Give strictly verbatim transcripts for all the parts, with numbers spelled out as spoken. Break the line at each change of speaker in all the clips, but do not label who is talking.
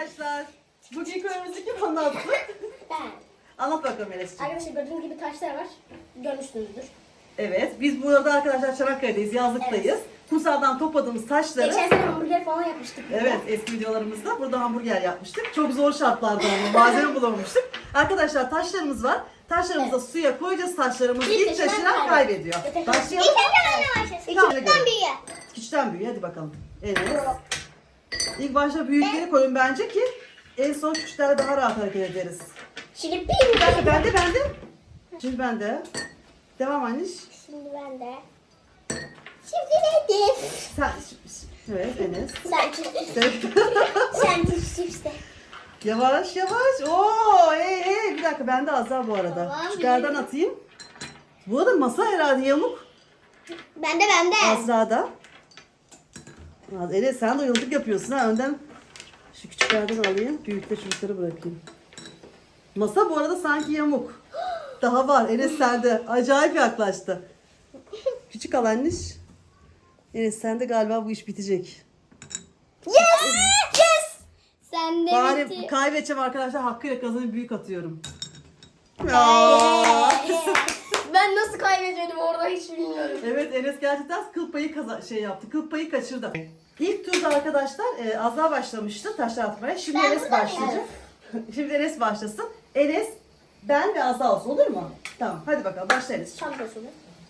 arkadaşlar. Bugün konumuzu kim anlattı?
Ben.
Anlat bakalım Enes'ciğim.
Arkadaşlar gördüğünüz gibi taşlar var. Görmüşsünüzdür.
Evet, biz burada arkadaşlar Çanakkale'deyiz, yazlıktayız.
Evet.
Kumsaldan topladığımız taşları...
Geçen sene hamburger falan yapmıştık. burada.
Evet, eski videolarımızda burada hamburger yapmıştık. Çok zor şartlarda ama malzeme bulamamıştık. Arkadaşlar taşlarımız var. Taşlarımızı
Evet.
suya koyacağız, taşlarımız
İlk
ilk
taşıran
taşıran kaybediyor.
kaybediyor.
Başlayalım.
İlk önce başlasın.
Tamam.
Küçükten büyüğe.
Küçükten büyüğe hadi bakalım. Evet. İlk başta büyükleri koyun bence ki en son küçüklerle daha rahat hareket ederiz.
Şimdi bir
Bende, bende, bende. Şimdi bende. Devam anneş.
Şimdi ben de. Şimdi neydi?
Sen, evet Enes.
Sen çift.
Evet.
Sen çift çift de.
Yavaş yavaş. Oo, hey hey. Bir dakika bende az daha bu arada.
Tamam,
Küçüklerden
biliyorum.
atayım. Bu arada masa herhalde yamuk.
Ben de ben de.
Azra'da. Az- Enes sen de yıldık yapıyorsun ha. Önden şu küçüklerden alayım. Büyükte çocukları bırakayım. Masa bu arada sanki yamuk. Daha var. Enes sende. Acayip yaklaştı. Küçük al anneş. Enes sende galiba bu iş bitecek.
Yes! Yes! Sen de
Bari
bitti.
kaybedeceğim arkadaşlar. Hakkıyla kazanıp büyük atıyorum.
Ben nasıl kaybediyordum orada hiç bilmiyorum.
Evet Enes gerçekten kıl payı kaza şey yaptı. Kıl payı kaçırdı. İlk turda arkadaşlar e, Azra başlamıştı taşlar atmaya. Şimdi
Ben
Enes
burada mıyım?
başlayacak. Şimdi Enes başlasın. Enes, ben ve Azra olsun olur mu? Tamam hadi bakalım başla Enes.
Çantasını.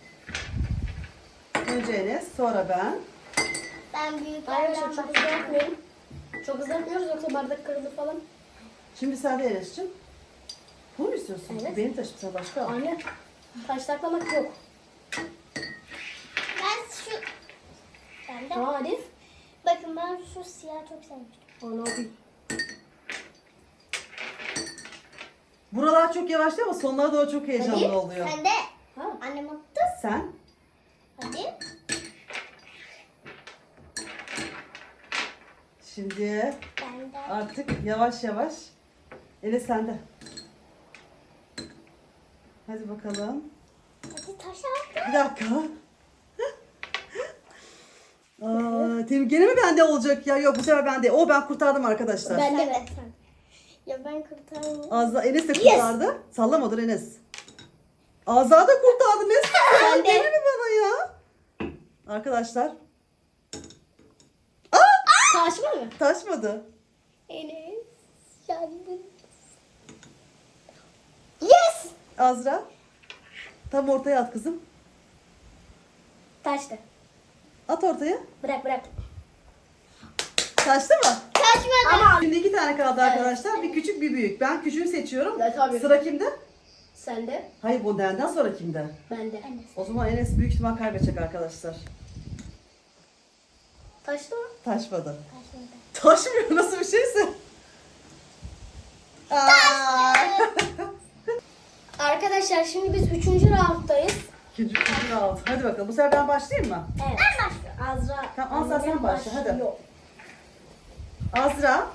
Önce Enes sonra ben.
Ben büyük Arkadaşlar çok hızlı yapmayın. Çok hızlı yapmıyoruz yoksa bardak kırılır falan.
Şimdi sen de Enes'cim. Bunu mu istiyorsun?
Evet.
Benim taşım sen başka al.
Aynen. Taş taklamak yok.
Ben şu... Ben de.
Tamam hadi.
Bakın ben şu siyah çok sevmiştim.
Onu alayım.
Buralar çok yavaş değil ama sonlara doğru çok heyecanlı
Hadi.
oluyor.
Sen de.
Ha.
Annem attı.
Sen?
Hadi.
Şimdi
Ben de.
artık yavaş yavaş. Enes sende. Hadi bakalım.
Hadi taş attı.
Bir dakika. Aa, Tem gene mi bende olacak ya? Yok bu sefer bende. O ben kurtardım arkadaşlar.
Ben de
Sen
ben.
de. Ya ben kurtardım.
Azza Enes de kurtardı. Sallamadır Enes. Azza da kurtardı. Ne sen?
Ben de.
Gene mi bana ya? Arkadaşlar
Taşma mı?
taşmadı.
Enes. Yandın.
Yes!
Azra. Tam ortaya at kızım.
Taştı.
At ortaya.
Bırak bırak.
Taştı mı?
Kaçmadı.
Ama
Şimdi iki tane kaldı arkadaşlar. Bir küçük bir büyük. Ben küçüğü seçiyorum.
Evet, tabii.
Sıra kimde?
sen de.
Hayır bu benden sonra kimde?
Ben de.
O zaman Enes büyük ihtimal kaybedecek arkadaşlar.
Taştı mı?
Taşmadı.
Kaçmadı.
Taşmıyor nasıl bir şeyse. Aa!
Arkadaşlar şimdi biz üçüncü rounddayız.
İkinci ikinci round. Hadi bakalım. Bu sefer ben başlayayım mı?
Evet. Ben başlıyorum. Azra.
Tamam, Azra sen
Annem
başla, hadi.
başlıyor.
Azra.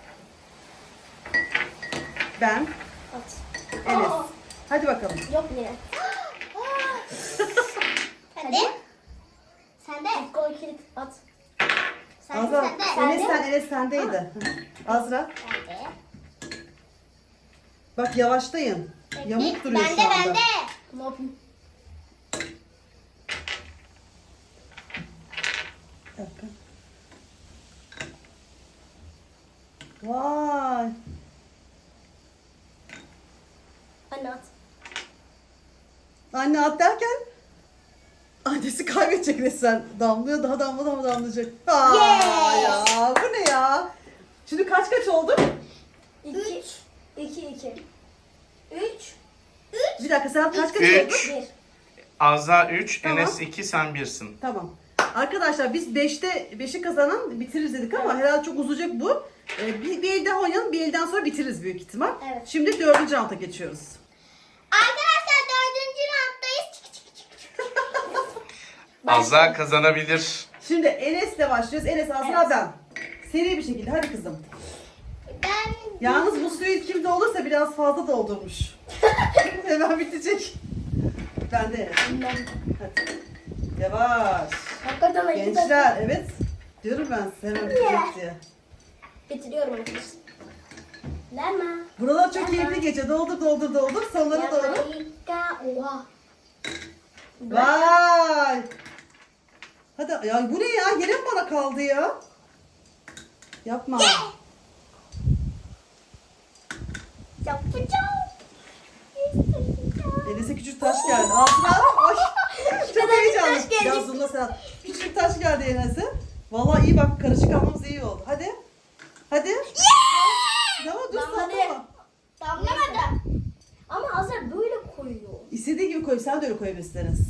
Ben.
At.
Enes.
Aa,
Hadi bakalım.
Yok yine.
Hadi. Sen de.
Gol kilit at.
Sen de.
Azra.
Sen de.
Sen
Enes
de.
sen Enes sendeydi. Azra.
Ben de.
Bak yavaşlayın. Yamuk duruyor
Ben
şu
de
anda.
ben de.
Ne yapayım?
Bir dakika. Vay.
Anne at.
Anne at derken annesi kaybedecek resmen. Damlıyor daha damla damla damlayacak. Aa,
Yes!
ya bu ne ya? Şimdi kaç kaç oldu?
İki. İki iki. Üç.
Bir dakika sen kaç kaç
Üç.
oldu?
Bir.
Azra üç,
Tamam.
Enes iki, sen birsin.
Tamam. Arkadaşlar biz beşte beşi kazanan bitiririz dedik ama herhalde çok uzayacak bu. Ee, bir, bir elden oynayalım, bir elden sonra bitiririz büyük ihtimal.
Evet.
Şimdi dördüncü rounda geçiyoruz.
Arkadaşlar dördüncü rounddayız. Çık çık çık çık.
Azra kazanabilir.
Şimdi Enes'le başlıyoruz. Enes, Azra,
Evet.
ben. Seri bir şekilde hadi kızım.
Ben.
Yalnız bu suyu kimde olursa biraz fazla doldurmuş. Hemen bitecek. Ben de.
Ben.
Hadi. Yavaş.
Hakikaten iki
Gençler evet. Diyorum ben size hemen bitecek diye.
Bitiriyorum arkadaşlar. Lama.
Buralar çok keyifli geçiyor. Doldur doldur doldur. Sonlara doğru.
Yamaika. Oha.
Vay. Hadi ya bu ne ya? Yine mi bana kaldı ya? Yapma.
Yapacağım.
Enes'e küçük taş geldi. Altına al. Ay. Çok
Küçük
heyecanlı.
taş geldi.
Ya Zumla sen. Küçük taş geldi Enes'e. Vallahi iyi bak karışık almamız iyi oldu. Hadi. Hadi. Tamam dur
Tamam, hadi.
sallama.
Damlamadı.
Ama Azra böyle koyuyor.
İstediğin gibi koy. Sen de öyle koyabilirsiniz.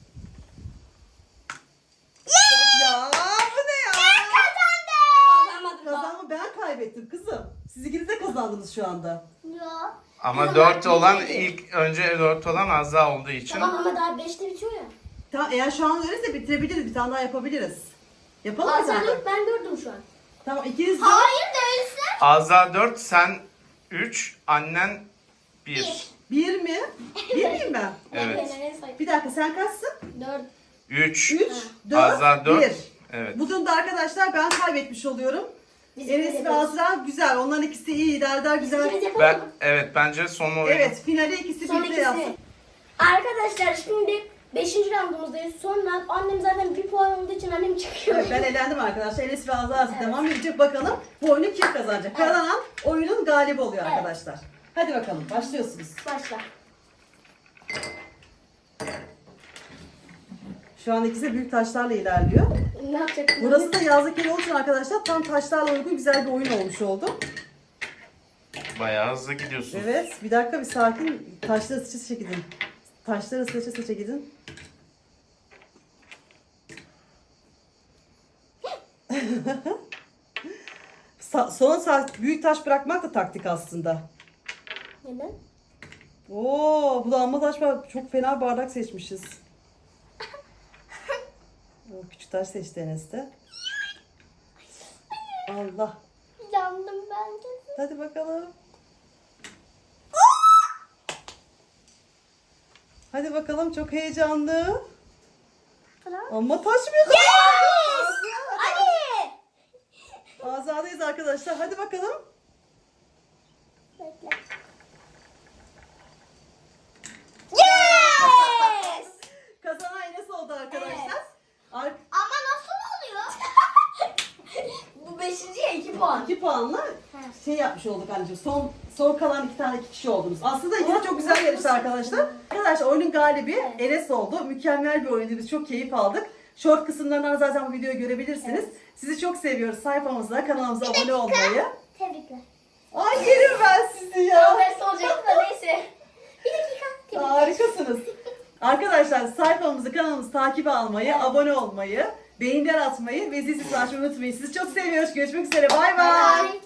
Ya bu ne ya?
Kazanmadım.
Kazanma ben kaybettim kızım. Siz ikiniz de kazandınız şu anda.
Ya.
Ama dört olan ilk önce dört olan Azra olduğu için.
Tamam ama daha beşte bitiyor ya.
Tamam eğer şu an öyleyse bitirebiliriz. Bir tane daha yapabiliriz. Yapalım mı
Azra
zaten?
dört, ben dördüm şu an.
Tamam ikiniz de.
Hayır değilsin.
Azra dört, sen üç, annen bir.
Bir mi? Bir miyim ben?
Evet.
Ben en sayı-
Bir dakika sen kaçsın?
Dört.
üç.
Üç, dört,
Azra dört.
bir.
Evet.
Bu durumda arkadaşlar ben kaybetmiş oluyorum.
Biz
Enes ve
yapıyoruz.
Azra güzel. Onların ikisi iyi idare eder güzel.
İkimiz yapalım
Ben
mı?
evet bence son oyun.
Evet finali ikisi
Son
birlikte yapsın.
ikisi. Arkadaşlar şimdi beşinci roundumuzdayız. Sonra annem zaten bir puan olduğu için annem çıkıyor.
Evet, ben elendim arkadaşlar. Enes ve Azra devam edecek. Bakalım bu oyunu kim kazanacak? Kazanan oyunun galibi oluyor
Evet.
arkadaşlar. Hadi bakalım başlıyorsunuz.
Başla.
Şu an ikisi de büyük taşlarla ilerliyor.
Ne yapacaksın?
Burası da yazlık yeri olduğu için arkadaşlar tam taşlarla uygun güzel bir oyun olmuş oldu.
Bayağı hızlı gidiyorsun.
Evet bir dakika bir sakin. Taşları sıçı sıçı gidin. Taşları sıçı sıçı gidin. Sa- son saat büyük taş bırakmak da taktik aslında.
Neden?
Oo, bu da amma taş var. Çok fena bardak seçmişiz. O küçük taş seçti Enes de. Allah.
Yandım ben de.
Hadi bakalım. Hadi bakalım çok heyecanlı. Ama taşmıyor.
Hadi.
Azadayız arkadaşlar. Hadi bakalım.
Bekle.
Yes!
Kazanan Enes oldu arkadaşlar.
Evet.
Ar-
Ama nasıl oluyor?
Bu beşinciye iki puan.
iki puanla şey yapmış olduk anneciğim. Son son kalan iki tane iki kişi oldunuz. Aslında yine çok güzel yarıştı arkadaşlar. Arkadaşlar oyunun galibi Enes oldu. Mükemmel bir oyundu. Biz çok keyif aldık. Short kısımlarından zaten bu videoyu görebilirsiniz. Sizi çok seviyoruz. Sayfamıza, kanalımıza abone olmayı.
Tebrikler.
Ay yerim ben sizi ya.
Habersi olacaktı da neyse.
Bir dakika. Tebrikler.
Harikasınız. Arkadaşlar sayfamızı, kanalımızı takip almayı, abone olmayı, beğeniler atmayı ve zil sesini açmayı unutmayın. Sizi çok seviyoruz. Görüşmek üzere. Bay bay.
Bye.